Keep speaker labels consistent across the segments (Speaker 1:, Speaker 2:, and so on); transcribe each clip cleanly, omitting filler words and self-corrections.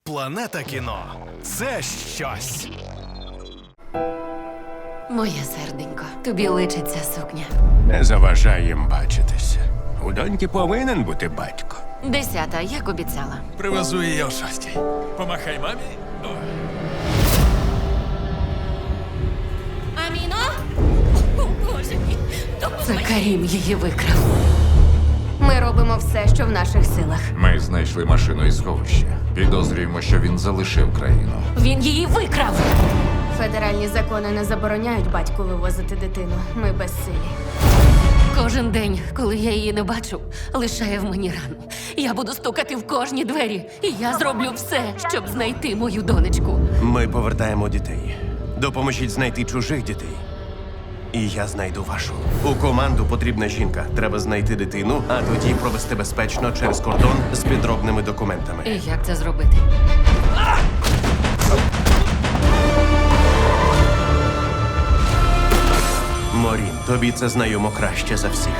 Speaker 1: Планета кіно – це щось.
Speaker 2: Моє серденько, тобі личить ця сукня.
Speaker 3: Не заважай їм бачитися. У доньки повинен бути батько.
Speaker 2: 10-та, як обіцяла.
Speaker 1: Привезу її о 6-й. Помахай мамі.
Speaker 2: Аміно? О, Боже мій, це Карім її викрав. Ми робимо все, що в наших силах.
Speaker 4: Ми знайшли машину із сховища. Підозрюємо, що він залишив країну.
Speaker 2: Він її викрав! Федеральні закони не забороняють батьку вивозити дитину. Ми безсилі. Кожен день, коли я її не бачу, лишає в мені рану. Я буду стукати в кожні двері. І я зроблю все, щоб знайти мою донечку.
Speaker 3: Ми повертаємо дітей. Допоможіть знайти чужих дітей. І я знайду вашу. У команду потрібна жінка. Треба знайти дитину, а тоді провести безпечно через кордон з підробними документами.
Speaker 2: І як це зробити?
Speaker 3: Морін, тобі це знайомо краще за всіх.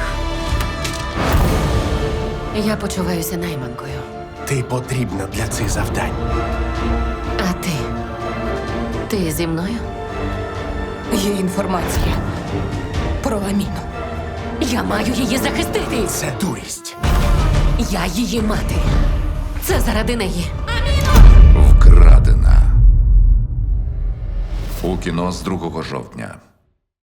Speaker 2: Я почуваюся найманкою.
Speaker 3: Ти потрібна для цих завдань.
Speaker 2: А ти? Ти зі мною?
Speaker 5: Є інформація про Аміну.
Speaker 2: Я маю її захистити.
Speaker 3: Це дурість.
Speaker 2: Я її мати. Це заради неї.
Speaker 4: Вкрадена. У кіно з 2 жовтня.